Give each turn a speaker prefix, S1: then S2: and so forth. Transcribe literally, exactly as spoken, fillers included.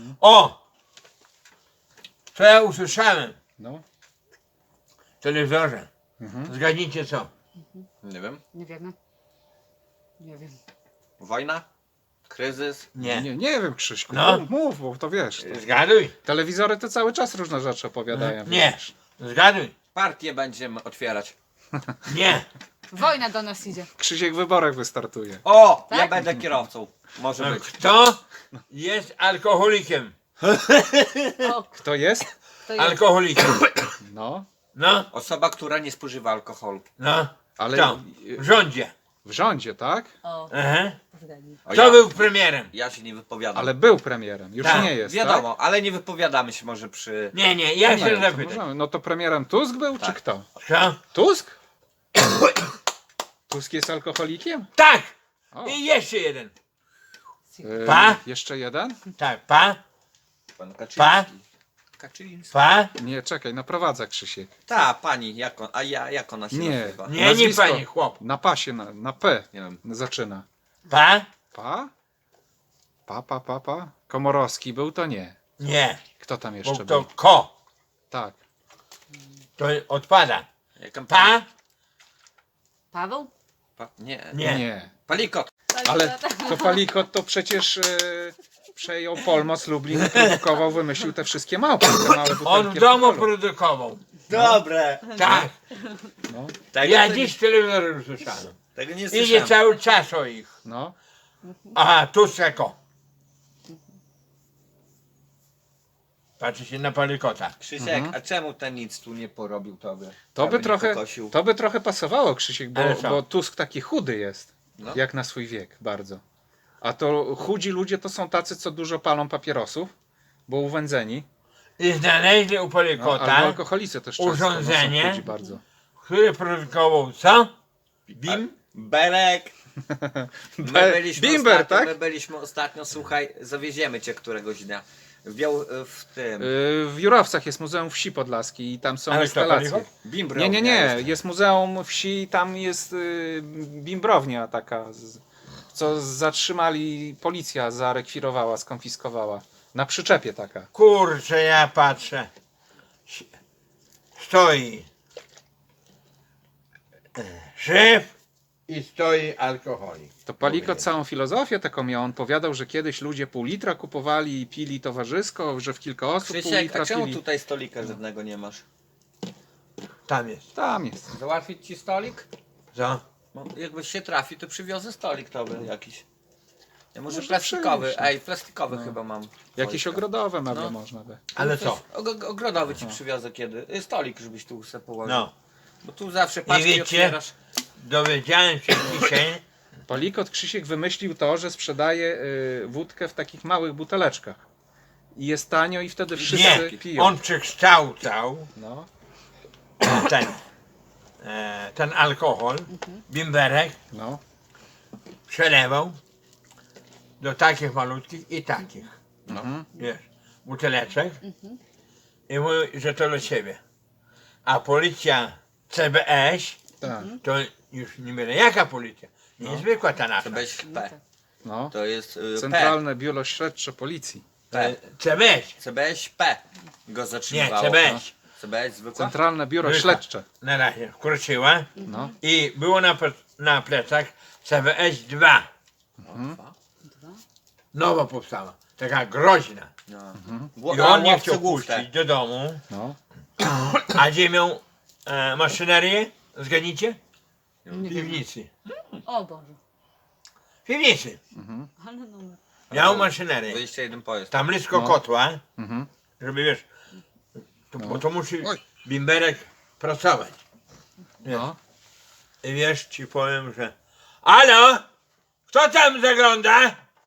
S1: O! Co ja usłyszałem
S2: No.
S1: w telewizorze?
S2: Mhm.
S1: Zgadnijcie co?
S3: Nie wiem.
S4: Nie wiemy. Nie wiem.
S3: Wojna? Kryzys?
S1: Nie.
S2: Nie, nie wiem, Krzyśku.
S1: No.
S2: Mów, mów, bo to wiesz. To...
S1: Zgaduj.
S2: Telewizory to cały czas różne rzeczy opowiadają.
S1: Nie.
S2: wiesz.
S1: Zgaduj.
S3: Partię będziemy otwierać.
S1: Nie.
S4: Wojna do nas idzie.
S2: Krzysiek w wyborach wystartuje.
S3: O! Ja
S4: Tak?
S3: będę kierowcą. Może być.
S1: Kto jest alkoholikiem?
S4: O,
S2: Kto jest?
S4: to jest.
S1: Alkoholikiem.
S2: No,
S1: No,
S3: Osoba, która nie spożywa alkoholu.
S1: no.
S2: ale
S1: Kto? W rządzie.
S2: w rządzie, tak?
S4: O,
S1: Aha.
S4: zgadnij.
S3: O,
S1: Kto
S3: ja,
S1: był premierem?
S3: ja się nie wypowiadam.
S2: Ale był premierem, już
S1: Tak,
S2: nie jest.
S3: Wiadomo, ale nie wypowiadamy się może przy...
S1: Nie, nie, ja
S2: Tak?
S1: się
S2: Nie, to
S1: zapytam.
S2: możemy. No to premierem Tusk był, czy
S3: Tak.
S2: kto?
S1: Kto?
S2: Tusk? Tusk jest alkoholikiem?
S1: Tak!
S2: O.
S1: I jeszcze jeden.
S2: Yy,
S1: Pa?
S2: Jeszcze jeden?
S1: Tak, pa,
S3: Pan
S1: Pa?
S3: Kaczyński. Kaczyński.
S1: pa.
S2: Nie, czekaj, naprowadza Krzysiek.
S3: Ta, pani, jak on, a ja, jak ona się
S2: Nie.
S3: nazywa?
S1: Nie, nie
S2: Nazwisko.
S1: panie, chłop.
S2: Na pasie, na, na P
S3: Nie wiem.
S2: zaczyna.
S1: Pa?
S2: Pa? Pa, pa, pa, pa? Komorowski był, to nie.
S1: Nie.
S2: Kto tam
S1: Bo
S2: jeszcze
S1: to
S2: był?
S1: ko.
S2: Tak.
S1: To odpada.
S3: Jaka
S1: Pa?
S4: Paweł?
S3: Pa? Nie.
S1: Nie.
S2: Nie.
S3: Palikot.
S2: Ale to Palikot to przecież e, przejął Polmos Lublin, produkował, wymyślił te wszystkie małpy, te małe butelki
S1: On w domu
S2: alkoholu.
S1: produkował.
S3: Dobre.
S1: Tak.
S2: No,
S3: Tego,
S1: Ja
S3: to-
S1: dziś telewizor usłyszałem.
S3: tego nie
S1: Idzie
S3: słyszałem.
S1: cały czas o ich.
S2: no.
S1: Aha, tu seko. Patrzy się na palikota.
S3: Krzysiek, a czemu ten nic tu nie porobił tobie?
S2: To
S3: Aby
S2: by
S3: nie
S2: trochę,
S3: pokosił?
S2: to by trochę pasowało, Krzysiek, bo,
S1: Ale co?
S2: bo Tusk taki chudy jest,
S3: No.
S2: jak na swój wiek, bardzo. A to chudzi ludzie to są tacy, co dużo palą papierosów, bo uwędzeni.
S1: I znaleźli u
S2: No,
S1: palikota,
S2: albo alkoholicy też często,
S1: urządzenie.
S2: no, są chudzi bardzo.
S1: który produkował co? Bim?
S3: Berek. My
S2: Be-
S3: byliśmy
S2: Bimber,
S3: ostatnio,
S2: tak?
S3: My byliśmy ostatnio, słuchaj, zawieziemy cię któregoś dnia. W, Biał, w tym.
S2: Y, W Jurowcach jest Muzeum Wsi Podlaskiej i tam są
S1: Ale co,
S2: instalacje.
S1: Palikot?
S3: Bimbrownia
S2: Nie, nie, nie,
S3: jest.
S2: jest Muzeum Wsi, tam jest y, bimbrownia taka, z, co zatrzymali, policja zarekwirowała, skonfiskowała. Na przyczepie taka.
S1: Kurczę, ja patrzę. S- Stoi e, szef i stoi alkoholik.
S2: To Palikot całą filozofię taką miał. On powiadał, że kiedyś ludzie pół litra kupowali i pili towarzysko, że w kilka osób pół
S3: Krzysiek,
S2: litra
S3: a czemu
S2: pili.
S3: tutaj stolika żadnego nie masz?
S1: Tam jest.
S2: Tam jest.
S3: Załatwić ci stolik?
S1: Co?
S3: Bo jakbyś się trafi, to przywiozę stolik tobie jakiś. Ja może
S2: Może
S3: plastikowy,
S2: przynieść, no.
S3: ej, plastikowy
S2: No.
S3: chyba mam.
S2: Jakieś
S3: Stolik.
S2: ogrodowe meble
S3: No.
S2: można by.
S1: Ale
S3: Coś
S1: co?
S3: og- Ogrodowy ci przywiozę kiedy. Y, Stolik, żebyś tu sobie położył.
S1: No.
S3: Bo tu zawsze paczki
S1: wiecie?
S3: otwierasz.
S1: Dowiedziałem się dzisiaj,
S2: Palikot Krzysiek wymyślił to, że sprzedaje y, wódkę w takich małych buteleczkach. I jest tanio i wtedy wszyscy
S1: nie,
S2: piją.
S1: on przekształcał
S2: No.
S1: ten, e, ten alkohol, bimberek,
S2: No.
S1: przelewał do takich malutkich i takich,
S2: Mhm.
S1: wiesz, buteleczek i mówi, że to dla siebie. A policja C B S,
S2: Tak.
S1: to już nie wiem jaka policja, niezwykła ta nasza.
S3: To weź P.
S2: No.
S3: To jest y, P.
S2: Centralne Biuro Śledcze Policji.
S3: P.
S1: C B S,
S3: C B S P go
S1: nie,
S3: zatrzymywało.
S1: C B S.
S3: C B S zwykła?
S2: Centralne Biuro
S1: Zwykła.
S2: Śledcze.
S1: Na razie wkroczyła
S2: No.
S1: i było na, ple- na plecach C B S dwa.
S3: Dwa?
S1: Nowa powstała, taka groźna.
S3: No.
S2: Mhm.
S1: I on nie
S3: łowcy
S1: chciał
S3: głów te.
S1: puścić do domu,
S2: No.
S1: a gdzie miał e, maszynerię? Zgadnijcie?
S4: Nie
S1: W
S4: wiem.
S1: piwnicy.
S4: O Boże.
S1: W piwnicy.
S4: Ale numer.
S1: Miał maszynerię.
S3: dwadzieścia jeden pojazd.
S1: Tam blisko
S2: No.
S1: kotła,
S2: Mhm.
S1: żeby wiesz, to,
S2: No.
S1: bo to musi
S2: Oj.
S1: bimberek pracować. Wiesz.
S2: No.
S1: I wiesz, ci powiem, że... Alo? Kto tam zagląda?